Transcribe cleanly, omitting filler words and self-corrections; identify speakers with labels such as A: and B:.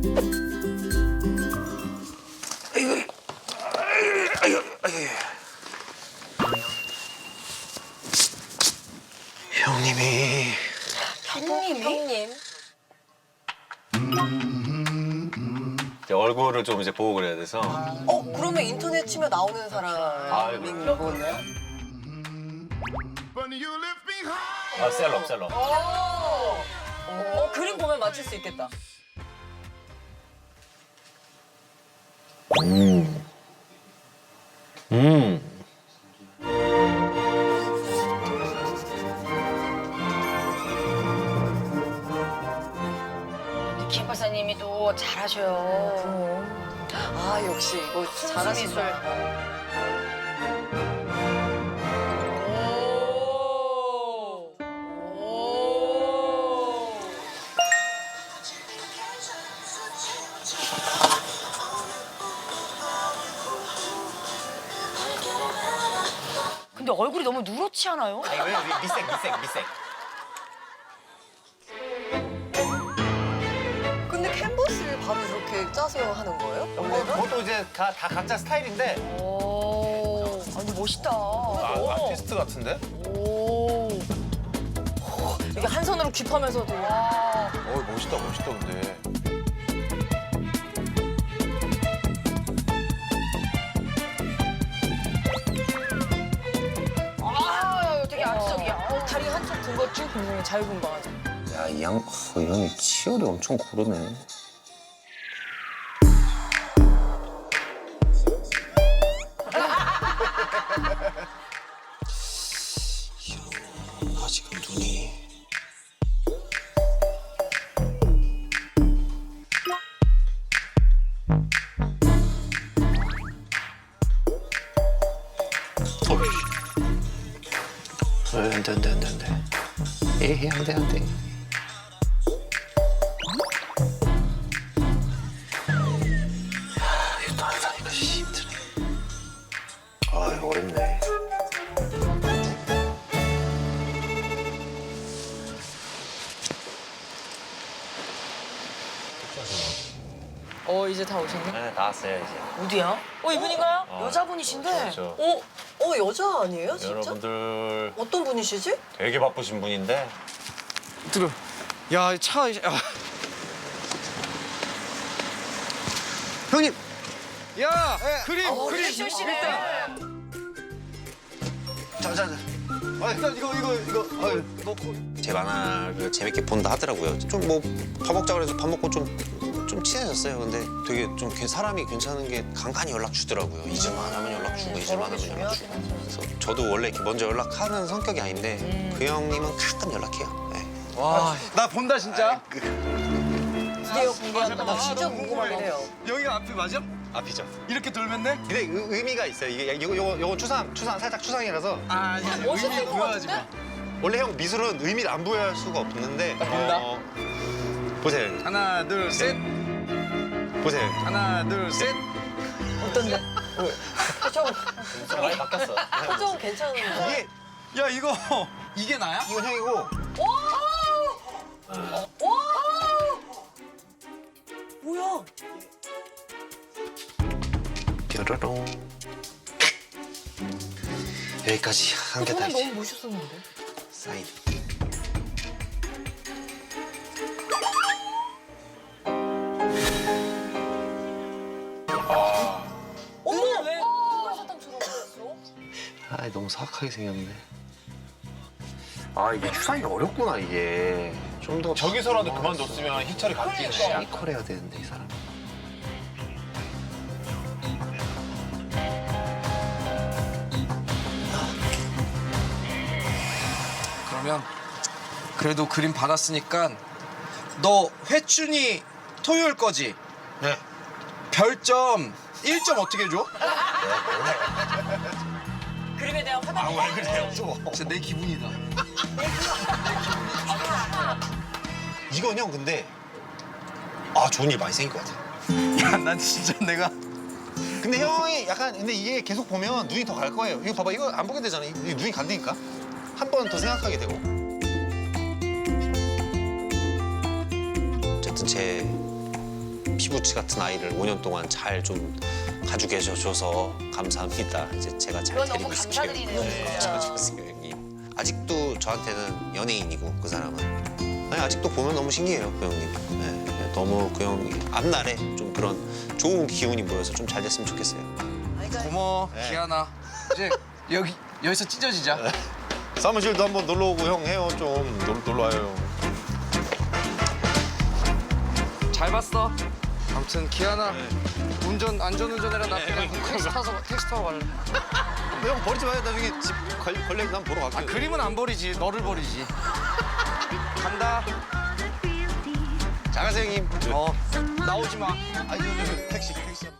A: 형님이.
B: 형님.
A: 이제 얼굴을 좀 이제 보고 그래야 돼서.
B: 그러면 인터넷 치면 나오는 사람인 거네요?
A: 아, 셀럽.
B: 그림 보면 맞출 수 있겠다.
C: 김 박사님이 또 잘하셔요.
B: 아, 역시 이거
C: 순수미술. 근데 얼굴이 너무 누렇지 않아요?
A: 아니, 왜 미색.
B: 근데 캔버스를 바로 이렇게 짜서 하는 거예요?
A: 그것도 이제 다 각자 스타일인데.
C: 오, 아니 멋있다.
A: 아티스트 같은데?
C: 오,
B: 이게 한 손으로 귓하면서도.
A: 멋있다 근데.
C: 아, 되게 아트적이야.
B: 다리 한쪽 든 것 쭉 굉장히 자유분방하죠.
D: 야, 이 형이 치열이 엄청 고르네. 아직은 눈이. 안 돼. 에이, 안 돼. 이거 따라다니까 힘드네. 아, 이거 어렵네.
B: 이제 다 오셨네?
A: 네, 다 왔어요 이제.
C: 어디야?
B: 이분인가요?
C: 여자분이신데?
A: 그렇죠.
B: 여자 아니에요, 진짜?
A: 여러분들
B: 어떤 분이시지?
A: 되게 바쁘신 분인데.
E: 들어. 야, 차. 야. 형님. 야, 그림.
C: 섹시하시네.
D: 자. 일단 이거. 제 만화를 재밌게 본다 하더라고요. 좀 뭐 밥 먹자 그래서 밥 먹고 좀 친해졌어요. 근데 되게 좀 사람이 괜찮은 게 간간히 연락 주더라고요. 잊을만 하면 연락 주고 잊을만 하면 연락 주고. 그래서 저도 원래 이렇게 먼저 연락하는 성격이 아닌데 그 형님은 가끔 연락해요. 네.
E: 와, 나 본다 진짜.
B: 드디어 공개한다. 나 진짜 궁금하긴 해요.
E: 여기가 앞이 맞아?
D: 앞이죠.
E: 이렇게 돌면 돼?
D: 근데 의미가 있어요. 이게 요거 추상 살짝 추상이라서
E: 아,
B: 멋있을 것
E: 부여하지
B: 같은데?
E: 마.
D: 원래 형 미술은 의미를 안 부여할 수가 없는데.
E: 본다.
D: 보세요.
E: 하나, 둘, 셋.
D: 보세요.
E: 하나, 둘, 셋.
B: 어떤데? 표정,
A: 많이 바뀌었어.
B: 표정 괜찮은데?
D: 이게
E: 야, 이게 나야?
D: 이건 형이고.
B: 뭐야?
D: 뾰로롱. 여기까지 한 개 다
B: 저는
D: 이제
B: 너무 멋있었는데?
D: 사인.
B: 어머! 왜 흑발사탕처럼 생겼어?
D: 아, 너무 사악하게 생겼네. 아, 이게 추상이 어렵구나, 이게. 좀 더
A: 저기서라도 그만뒀으면 희철이 바뀌네.
D: 시니컬 해야 되는데, 이 사람.
E: 그러면 그래도 그림 받았으니까 너 회춘이 토요일 거지?
D: 네.
E: 별점 1점 어떻게 줘?
B: 그림에 대한 화답이
D: 그래요, 또.
E: 진짜 내 기분이다.
D: 이건 형, 근데. 아, 좋은 일 많이 생길 것 같아.
E: 야, 난 진짜 내가
D: 근데 형이 약간, 근데 이게 계속 보면 눈이 더 갈 거예요. 이거 봐봐, 이거 안 보게 되잖아. 이게 눈이 간다니까. 한 번 더 생각하게 되고. 어쨌든 제 피부치 같은 아이를 5년 동안 잘 좀 가지고 계셔줘서 감사합니다. 이제 제가 잘
C: 그건
D: 데리고
C: 너무
D: 있을게요.
C: 감사드리는 거죠.
D: 잘해주세요, 형님. 아직도 저한테는 연예인이고 그 사람은. 아니, 아직도 보면 너무 신기해요, 그 형님. 네, 너무 그 형이 앞날에 좀 그런 좋은 기운이 모여서 좀 잘 됐으면 좋겠어요.
E: 고마워
D: 네.
E: 기아나. 이제 여기서 찢어지자.
A: 사무실도 한번 놀러 오고 형 해요 좀 놀러 와요.
E: 잘 봤어. 아무튼 기아나 안전운전해라. 나 그냥 택시 타고 갈래.
A: 형 버리지 마요. 나중에 집 걸레 한번 보러 갈게요.
E: 아 그림은 안 버리지. 너를 버리지. 간다.
A: 잘 가세요 형님.
E: 나오지 마.
A: 아니 저 택시.